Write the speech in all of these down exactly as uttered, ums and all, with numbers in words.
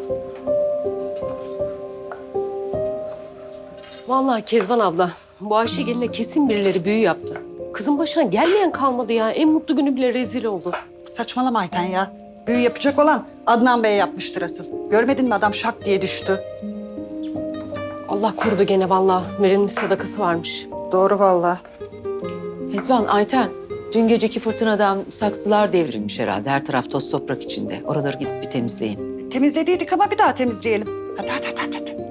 Vallahi Kezban abla, bu Ayşegül'le kesin birileri büyü yaptı. Kızın başına gelmeyen kalmadı ya. En mutlu günü bile rezil oldu. Saçmalama Ayten ya. Büyü yapacak olan Adnan Bey yapmıştır asıl. Görmedin mi adam şak diye düştü. Allah korudu gene vallahi. Verilmiş sadakası varmış. Doğru vallahi. Kezban, Ayten, dün geceki fırtınadan saksılar devrilmiş herhalde. Her taraf toz toprak içinde. Oraları gidip bir temizleyin. Temizlediydik ama bir daha temizleyelim. Hadi hadi hadi hadi. hadi.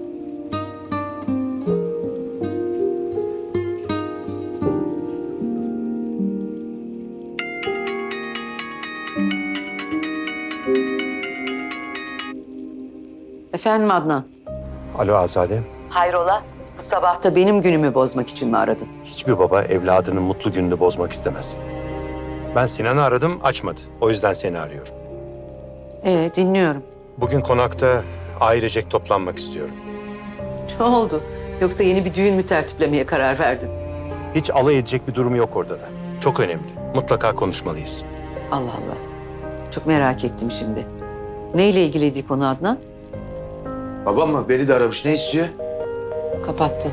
Efendim Adnan? Alo Azade. Hayrola? Bu sabah da benim günümü bozmak için mi aradın? Hiçbir baba evladının mutlu gününü bozmak istemez. Ben Sinan'ı aradım, açmadı. O yüzden seni arıyorum. Ee, dinliyorum. Bugün konakta ailecek toplanmak istiyorum. Ne oldu? Yoksa yeni bir düğün mü tertiplemeye karar verdin? Hiç alay edecek bir durum yok orada da. Çok önemli. Mutlaka konuşmalıyız. Allah Allah. Çok merak ettim şimdi. Neyle ilgiliydi konu Adnan? Babam mı? Beni de aramış. Ne istiyor? Kapattı.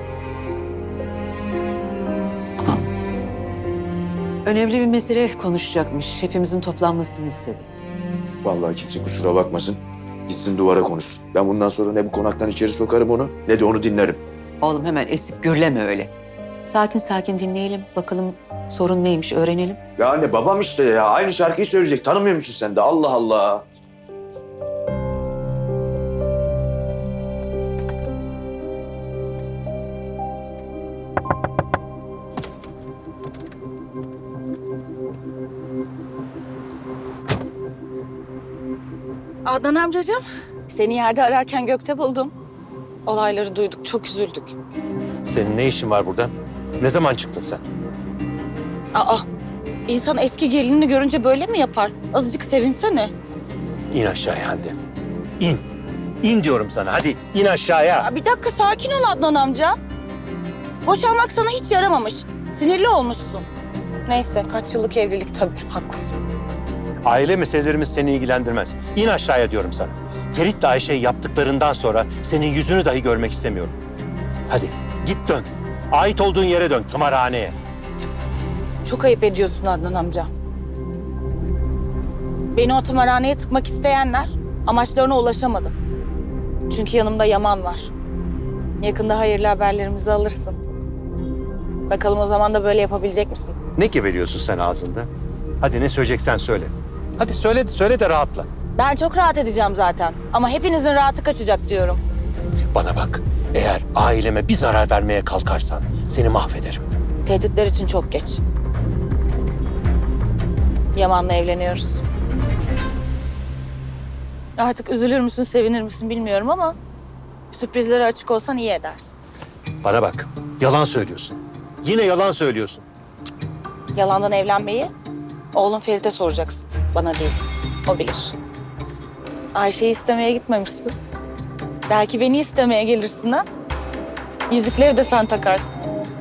Aa. Önemli bir mesele konuşacakmış. Hepimizin toplanmasını istedi. Vallahi kimse kusura bakmasın. Gitsin duvara konuşsun. Ben bundan sonra ne bu konaktan içeri sokarım onu ne de onu dinlerim. Oğlum hemen esip gürleme öyle. Sakin sakin dinleyelim. Bakalım sorun neymiş öğrenelim. Ya anne babam işte ya. Aynı şarkıyı söyleyecek. Tanımıyor musun sen de? Allah Allah. Adnan amcacığım, seni yerde ararken gökte buldum. Olayları duyduk, çok üzüldük. Senin ne işin var burada? Ne zaman çıktın sen? Aa, insan eski gelinini görünce böyle mi yapar? Azıcık sevinsene. İn aşağıya hadi. İn. İn diyorum sana. Hadi in aşağıya. Aa, bir dakika sakin ol Adnan amca. Boşanmak sana hiç yaramamış. Sinirli olmuşsun. Neyse, kaç yıllık evlilik tabii, haklısın. Aile meselelerimiz seni ilgilendirmez. İn aşağıya diyorum sana. Ferit'le Ayşe yaptıklarından sonra senin yüzünü dahi görmek istemiyorum. Hadi git dön. Ait olduğun yere dön, tımarhaneye. Çok ayıp ediyorsun Adnan amca. Beni o tımarhaneye tıkmak isteyenler amaçlarına ulaşamadı. Çünkü yanımda Yaman var. Yakında hayırlı haberlerimizi alırsın. Bakalım o zaman da böyle yapabilecek misin? Ne geveliyorsun sen ağzında? Hadi ne söyleyeceksen söyle. Hadi söyle, söyle de rahatla. Ben çok rahat edeceğim zaten. Ama hepinizin rahatı kaçacak diyorum. Bana bak, eğer aileme bir zarar vermeye kalkarsan seni mahvederim. Tehditler için çok geç. Yaman'la evleniyoruz. Artık üzülür müsün, sevinir misin bilmiyorum ama... sürprizlere açık olsan iyi edersin. Bana bak, yalan söylüyorsun. Yine yalan söylüyorsun. Yalandan evlenmeyi oğlum Ferit'e soracaksın. Bana değil. O bilir. Ayşe'yi istemeye gitmemişsin. Belki beni istemeye gelirsin ha? Yüzükleri de sen takarsın.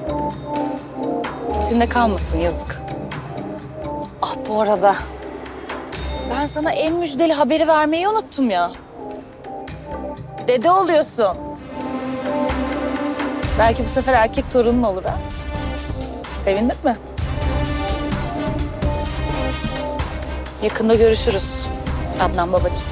İçinde kalmasın yazık. Ah bu arada ben sana en müjdeli haberi vermeyi unuttum ya. Dede oluyorsun. Belki bu sefer erkek torunun olur ha. Sevindin mi? Yakında görüşürüz Adnan babacığım.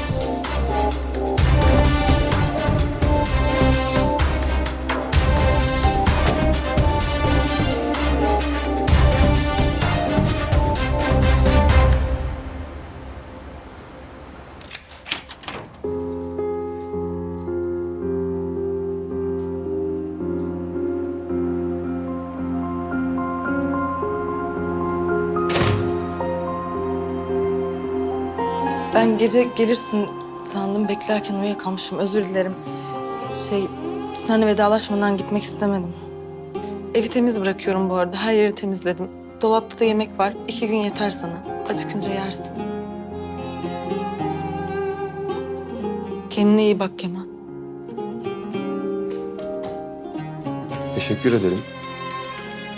Ben gece gelirsin sandım, beklerken uyuyakalmışım. Özür dilerim. Şey, seninle vedalaşmadan gitmek istemedim. Evi temiz bırakıyorum bu arada. Her yeri temizledim. Dolapta da yemek var. İki gün yeter sana. Acıkınca yersin. Kendine iyi bak Kemal. Teşekkür ederim.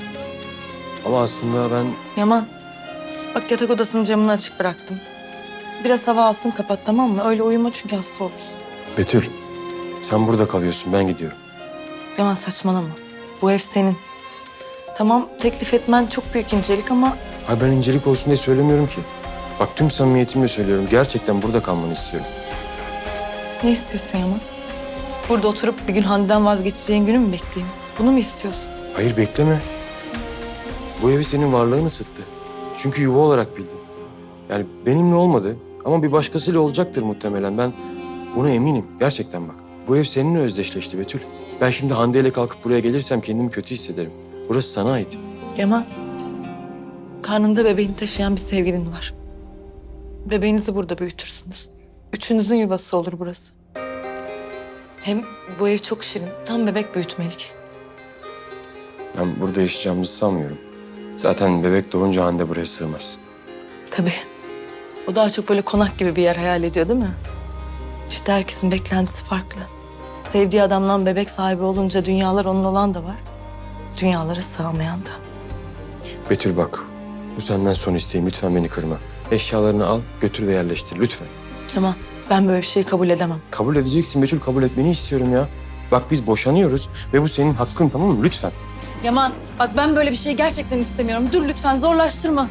Ama aslında ben... Yaman, bak yatak odasının camını açık bıraktım. Biraz hava alsın kapat, tamam mı? Öyle uyuma çünkü hasta olursun. Betül, sen burada kalıyorsun, ben gidiyorum. Yaman saçmalama. Bu ev senin. Tamam, teklif etmen çok büyük incelik ama Hayır, ben incelik olsun diye söylemiyorum ki. Bak tüm samimiyetimle söylüyorum. Gerçekten burada kalmanı istiyorum. ne istiyorsun Yaman? Burada oturup bir gün Hande'den vazgeçeceğin günü mü bekleyeyim? Bunu mu istiyorsun? Hayır, bekleme. Bu evi senin varlığın ısıttı. Çünkü yuva olarak bildim. Yani benimle olmadı ama bir başkasıyla olacaktır muhtemelen. Ben buna eminim. Gerçekten bak. Bu ev seninle özdeşleşti Betül. Ben şimdi Hande ile kalkıp buraya gelirsem kendimi kötü hissederim. Burası sana ait. Yaman, karnında bebeğini taşıyan bir sevgilin var. Bebeğinizi burada büyütürsünüz. Üçünüzün yuvası olur burası. Hem bu ev çok şirin. Tam bebek büyütmelik. Ben burada yaşayacağımızı sanmıyorum. Zaten bebek doğunca Hande buraya sığmaz. Tabii. O daha çok böyle konak gibi bir yer hayal ediyor değil mi? İşte herkesin beklentisi farklı. Sevdiği adamdan bebek sahibi olunca dünyalar onun olan da var. Dünyalara sığamayan da. Betül bak, bu senden son isteğim. Lütfen beni kırma. Eşyalarını al, götür ve yerleştir lütfen. Yaman, ben böyle bir şeyi kabul edemem. Kabul edeceksin Betül, kabul etmeni istiyorum ya. Bak biz boşanıyoruz ve bu senin hakkın, tamam mı? Lütfen. Yaman, bak ben böyle bir şey gerçekten istemiyorum. Dur lütfen, zorlaştırma.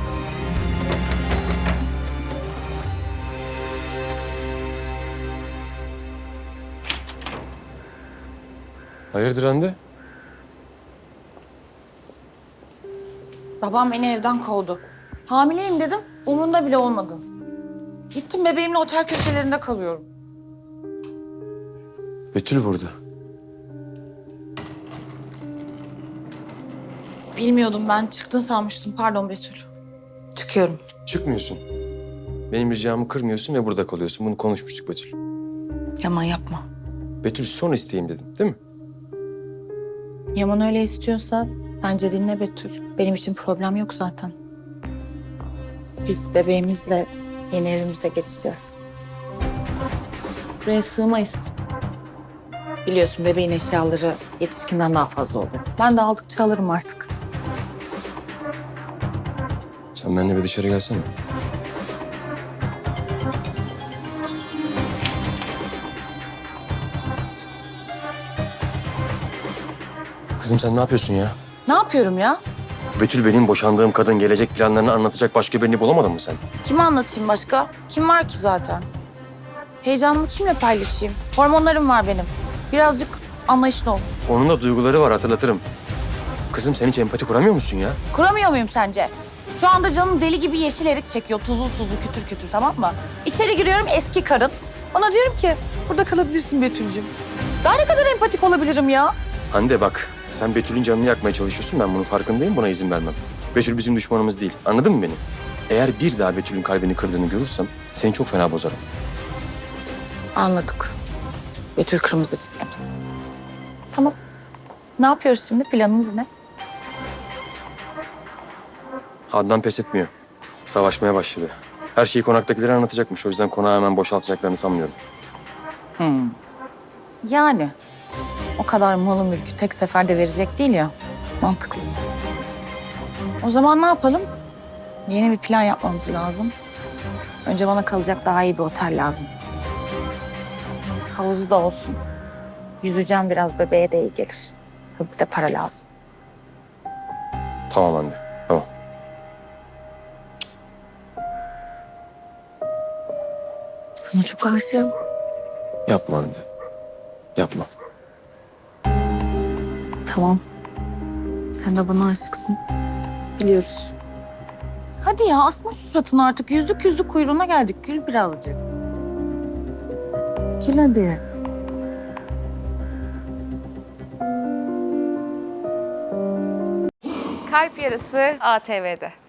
Hayırdır Hande? Babam beni evden kovdu. Hamileyim dedim, umurunda bile olmadı. Gittim bebeğimle otel köşelerinde kalıyorum. Betül burada. Bilmiyordum ben, çıktın sanmıştım. Pardon Betül. Çıkıyorum. Çıkmıyorsun. Benim ricamı kırmıyorsun ve burada kalıyorsun. Bunu konuşmuştuk Betül. Yaman yapma. Betül son isteğim dedim, değil mi? Yaman öyle istiyorsa bence dinle Betül. Benim için problem yok zaten. Biz bebeğimizle yeni evimize geçeceğiz. Buraya sığmayız. Biliyorsun bebeğin eşyaları yetişkinden daha fazla oluyor. Ben de aldıkça alırım artık. Sen benimle bir dışarı gelsene. Kızım sen ne yapıyorsun ya? Ne yapıyorum ya? Betül benim boşandığım kadın gelecek planlarını anlatacak başka birini bulamadın mı sen? Kime anlatayım başka? Kim var ki zaten? Heyecanımı kimle paylaşayım? Hormonlarım var benim. Birazcık anlayışlı ol. Onun da duyguları var, hatırlatırım. Kızım sen hiç empati kuramıyor musun ya? Kuramıyor muyum sence? Şu anda canım deli gibi yeşil erik çekiyor. Tuzlu tuzlu kütür kütür, tamam mı? İçeri giriyorum, eski karın. Bana diyorum ki burada kalabilirsin Betül'cüğüm. Daha ne kadar empatik olabilirim ya? Hande bak, sen Betül'ün canını yakmaya çalışıyorsun. Ben bunun farkındayım, buna izin vermem. Betül bizim düşmanımız değil, anladın mı beni? Eğer bir daha Betül'ün kalbini kırdığını görürsem seni çok fena bozarım. Anladık. Betül kırmızı çizgimiz. Tamam. Ne yapıyoruz şimdi? Planımız ne? Adnan pes etmiyor. Savaşmaya başladı. Her şeyi konaktakilere anlatacakmış. O yüzden konağı hemen boşaltacaklarını sanmıyorum. Hmm. Yani o kadar malı mülkü tek seferde verecek değil ya. Mantıklı. O zaman ne yapalım? Yeni bir plan yapmamız lazım. Önce bana kalacak daha iyi bir otel lazım. Havuzu da olsun. Yüzeceğim biraz, bebeğe de iyi gelir. Tabii bir de para lazım. Tamam Hande, tamam. Sana çok aşığım. Yapma Hande. Yapma. Tamam. Sen de bana aşıksın. Biliyoruz. Hadi ya, asma şu suratını artık. Yüzlük yüzlük kuyruğuna geldik. Gül birazcık. Gül hadi. Kalp Yarısı A T V'de.